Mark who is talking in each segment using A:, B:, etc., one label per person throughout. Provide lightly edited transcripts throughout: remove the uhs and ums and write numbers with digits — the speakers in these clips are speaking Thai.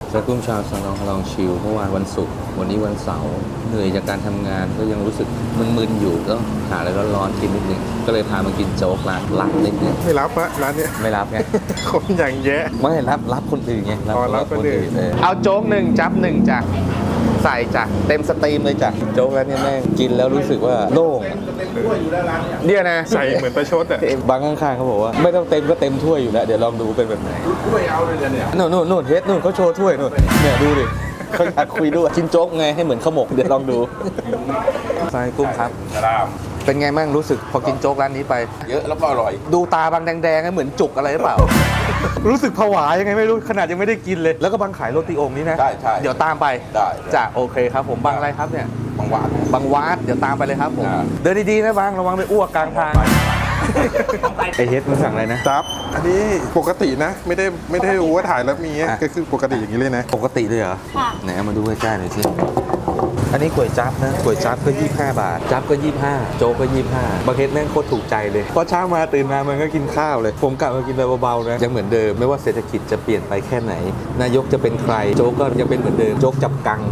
A: สกุ้มชาวสนองลองชิลเมื่อวานวันศุกร์วันนี้วันเสาร์เหนื่อยจากการทำงานก็ยังรู้สึกมึนๆอยู่ก็หาอะไรร้อนๆกินนิดนึงก็เลยพามากินโจ๊กร้านหลักนิดนึง
B: ไม่รับอะร้านเนี้ย
A: ไม่รับไง
B: คนอย่างแยะ
A: ไม่รับคนอื่นไง
B: อ๋อรับคนอื่น
A: เอาโจ๊กหนึ่งจับหนึ่งจ้ะใส่จ้ะเต็มสตรีมเลยจ้ะโจ๊กแล้วเนี่ยแม่งกินแล้วรู้สึกว่าโล่งเนี่ยนะ
B: ใส่เหมือนประชดอะ
A: บางข้างๆเขาบอกว่าไม่ต้องเต็มก็เต็มถ้วยอยู่แล้วเดี๋ยวลองดูเป็นแบบไหนถ้วยเอาเลยเนี่ยนู่นเฮดนู่นเขาโชว์ถ้วยนู่นเนี่ยดูดิเขาอยากคุยด้วยกินโจ๊กไงให้เหมือนข้าวหมกเดี๋ยวลองดูใส่กุ้งครับเป็นไงบ้างรู้สึกพอกินโจ๊กร้านนี้ไปเยอะแล้วก็อร่อยดูตาบางแดงๆเหมือนจุกอะไรหรือเปล่า รู้สึกผวายังไงไม่รู้ขนาดยังไม่ได้กินเลยแล้วก็บางขายโรตีองค์นี้นะใช่เดี๋ยวตามไปได้จ้ะโอเคครับผมบางอะไรครับเนี่ยบางวาดเดี๋ยวตามไปเลยครับผมเดินดีๆนะบางระวังไปอ้วกกลางทางไอเฮดมึงสั่งอะไรนะ
B: จับอันนี้ปกตินะไม่ได้รู้ว่าถ่ายแล้วมีอะก็คือปกติอย่างนี้เลยนะ
A: ปกติเลยเหรอค่ะไหนเอามาดูใกล้ๆหน่อยสิอันนี้ก๋วยจั๊บนะก๋วยจั๊บก็25 บาทจั๊บก็25โจ๊กก็25บางเฮดแม่งโคตรถูกใจเลยพอเช้ามาตื่นมามันก็กินข้าวเลยผมกลับมากินแบบเบาๆนะยังเหมือนเดิมไม่ว่าเศรษฐกิจจะเปลี่ยนไปแค่ไหนนายกจะเป็นใครโจ๊กก็ยังเป็นเหมือนเดิมโจ๊กจับกัง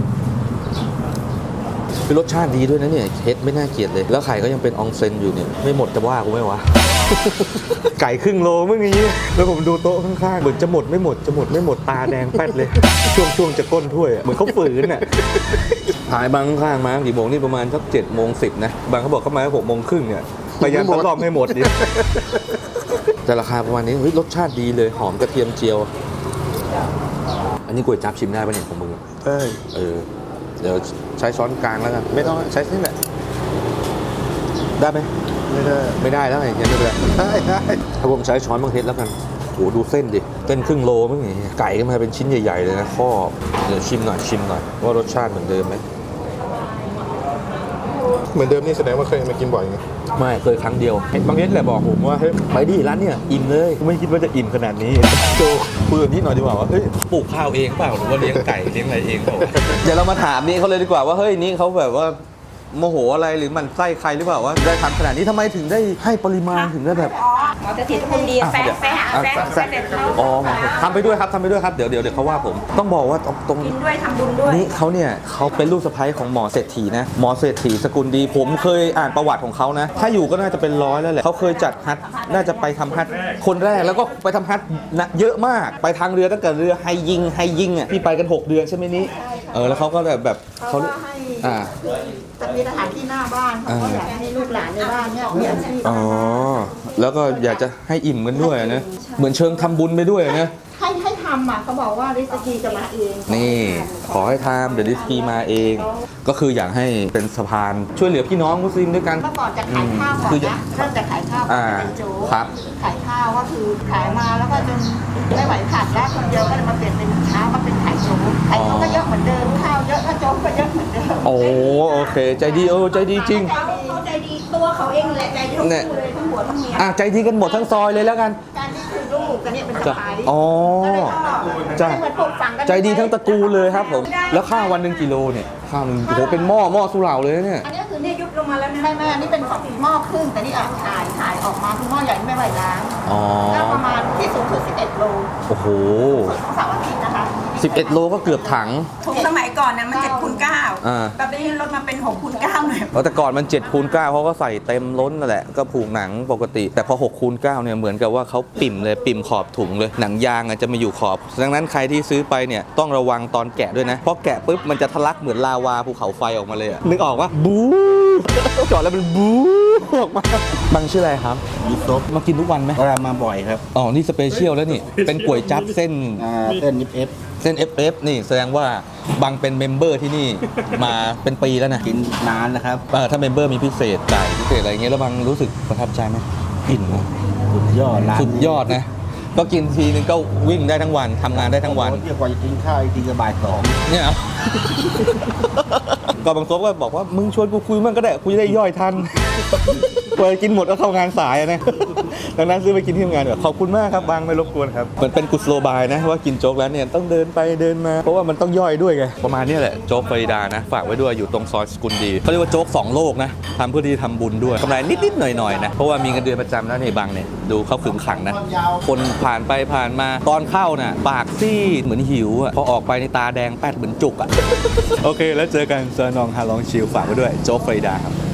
A: คือรสชาติดีด้วยนะเนี่ยเฮ็ดไม่น่าเกลียดเลยแล้วไข่ก็ยังเป็นอองเซนอยู่เนี่ยไม่หมดจะว่ากูไหมวะ ไก่ครึ่งโลเมื่อกี้แล้วผมดูโต๊ะข้างๆเหมือนจะหมดไม่หมดตาแดงแป๊ดเลย ช่วงจะก้นถ้วยอะเหมือนเขาฝืนอ่ะหายบางข้างมากี่โมงนี่ประมาณสัก7:10นะบางเขาบอกเข้ามา6:30เนี่ยพยายามทดลองให้หมดดิ แต่ราคาประมาณนี้เฮ้ยรสชาติดีเลยหอมกระเทียมเจียว อันนี้ก๋วยจั๊บชิมได้ป่ะเนี่ยของมึงเดี๋ยวใช้ช้อนกลางแล้วกันไม่ต้องใช้นี่แหละได้ไหมไม่ได้แล้วไงงั้นไม่เป็นไรได้ถ้าผมใช้ช้อนบางเทสแล้วกันโหดูเส้นดิเส้นครึ่งโลมั้งไงไก่ก็มาเป็นชิ้นใหญ่ๆเลยนะข้อเดี๋ยวชิมหน่อยว่ารสชาติเหมือนเดิมไหม
B: เหมือนเดิมนี่แสดงว่าเคยมากินบ่อยไง
A: ไม่เคยครั้งเดียวบางเทสแหละบอกผมว่าเฮ้ยไปดิร้านเนี่ยอิ่มเลยไม่คิดว่าจะอิ่มขนาดนี้โจคุยกับนี่หน่อยดีกว่าว่าเฮ้ยปลูกข้าวเองเปล่าหรือว่าเลี้ยงไก่เลี้ยงอะไรเองเปล่าเดี๋ยวเรามาถามนี่เขาเลยดีกว่าว่าเฮ้ยนี่เขาแบบว่าโมโหอะไรหรือมันไส้ใครหรือเปล่าว่าได้ทำขนาดนี้ทำไมถึงได้ให้ปริมาณถึงได้แบบ
C: หมอจะติดคนดีแฟนเด็ดเขา
A: อ๋อทำไปด้วยครับเดี๋ยวเขาว่าผมต้องบอกว่าตรง
C: กินด้วยทำบุญด้วย
A: นี่เขาเนี่ยเขาเป็นลูกสะใภ้ของหมอเศรษฐีนะหมอเศรษฐีสกุลดีผมเคยอ่านประวัติของเขานะถ้าอยู่ก็น่าจะเป็น100แล้วแหละเขาเคยจัดฮัทน่าจะไปทำฮัทคนแรกแล้วก็ไปทำฮัทนะเยอะมากไปทางเรือตั้งแต่เรือไฮยิงอ่ะที่ไปกัน6 เดือนใช่ไหมนี้แล้วเขาก็แบบเขา
D: จะมีสถานที่หน้าบ้านเขาก็อยากให้ลูกหลานในบ้านเนี่ยมีอาชีพ
A: อ๋อแล้วก็อยากจะให้อิ่มกันด้วยนะเหมือนเชิงทำบุญไปด้วยนะ
D: ให้ทำอ่ะเขาบอกว่าริสกีจะมาเอง
A: นี่ขอให้ทำเดี๋ยวริสกีมาเองก็คืออยากให้เป็นสะพานช่วยเหลือพี่น้องมุสลิมด้วยกัน
D: เมื่อก่อนจะขายข้าวก่อนนะเริ่มจะขายข้าวเป็นโจ๊กขายข้าวก็คือขายมาแล้วก็จนไม่ไหวขาดแล้วคนเดียวก็เลยมาเปลี่ยนเป็นเช้ามาเป็นขายโจ๊กขายโจ๊กก็เยอะเหมือนเดิมข้าวเยอะก็โจ๊กก็เยอะเหมือนเดิม
A: โอเคใจดีใจดีจริง
D: เขาใจดีตัวเขาเองแหละใจดีทั้งคู่เลยทั้งหัวทั้งเมีย
A: ใจดีกันหมดทั้งซอยเลยแล้วกัน
D: การที่คือลูกกันเนี่ยเป็นสะพ้าย
A: จ้ะใจดีทั้งตระกูลเลยครับผมแล้วข้าววันหนึ่งกิโลเนี่ยข้าวนึงโหเป็นหม้อสุเหร่าเลยเนี่ย
D: อันนี้คือนี่ยุบลงมาแล้วไม่อันนี้เป็นหม้อครึ่งแต่นี่ถ่ายออกมาคือหม้อใหญ่ไม่ไหวล้างก็ประมาณที่สูงสุด11 โล
A: โอ้โห
D: ของเสาร์อาทิตย์นะคะ
A: 11 โลก็เกือบถัง
C: ถุงสมัยก่อนนะมัน7x9แบบนี้ลดมาเป็น6x9หน่อย
A: แต่ก่อนมัน7x9เขาก็ใส่เต็มล้นนั่นแหละก็ผูกหนังปกติแต่พอ6x9เนี่ยเหมือนกับว่าเขาปิ่มขอบถุงเลยหนังยางจะมาอยู่ขอบดังนั้นใครที่ซื้อไปเนี่ยต้องระวังตอนแกะด้วยนะเพราะแกะปุ๊บมันจะทะลักเหมือนลาวาภูเขาไฟออกมาเลยนึกออกว่าบู๊จอดแล้วมันบู๊ออกมาบังชื่ออะไรครับ
E: ยูซุป
A: มากินทุกวันไหม
E: มาบ่อยครับ
A: นี่สเปเชียลแล้วนี่เป็นก๋วยจั๊บเส้นFF นี่แสดงว่าบังเป็นเมมเบอร์ที่นี่มาเป็นปีแล้วนะ
E: กินนานนะครับ
A: ถ้าเมมเบอร์มีพิเศษจ่ายพิเศษอะไรเงี้ยแล้วบังรู้สึกประทับใจไหมอิ่ม
E: สุดยอด
A: สุดยอดนะก็กินทีนึงก็วิ่งได้ทั้งวันทำงานได้ทั้งวัน
E: เที่ยวกว่าจะกินข้าวอีกทีก็บ่าย 2
A: เนี่ยก็บางคนก็บอกว่ามึงชวนกูคุยมั่งก็ได้คุยได้ย่อยทันพอกินหมดก็เข้างานสายนะดังนั้นซื้อไปกินที่ทำงานดีกว่าขอบคุณมากครับบางไม่รบกวนครับมันเป็นกุศโลบายนะว่ากินโจ๊กแล้วเนี่ยต้องเดินไปเดินมาเพราะว่ามันต้องย่อยด้วยไงประมาณนี้แหละโจ๊กฟลอริดานะฝากไว้ด้วยอยู่ตรงซอยสกุลดีเขาเรียกว่าโจ๊ก2โลกนะทำเพื่อที่ทำบุญด้วยกำไรนิดๆหน่อยๆนะเพราะว่ามีเงินเดือนประจำแล้วในบางเนี่ยดูเขาขึงขังนะคนผ่านไปผ่านมาตอนเข้าน่ะปากซีดเหมือนหิวอ่ะพอออกไปในตาแดงแป๊ดเหมือนจุกอ่ะ โอเคแล้วเจอกันเซอร์นองฮาลองชิลฝากไว้ด้วยโจ๊กฟลอริดาครับ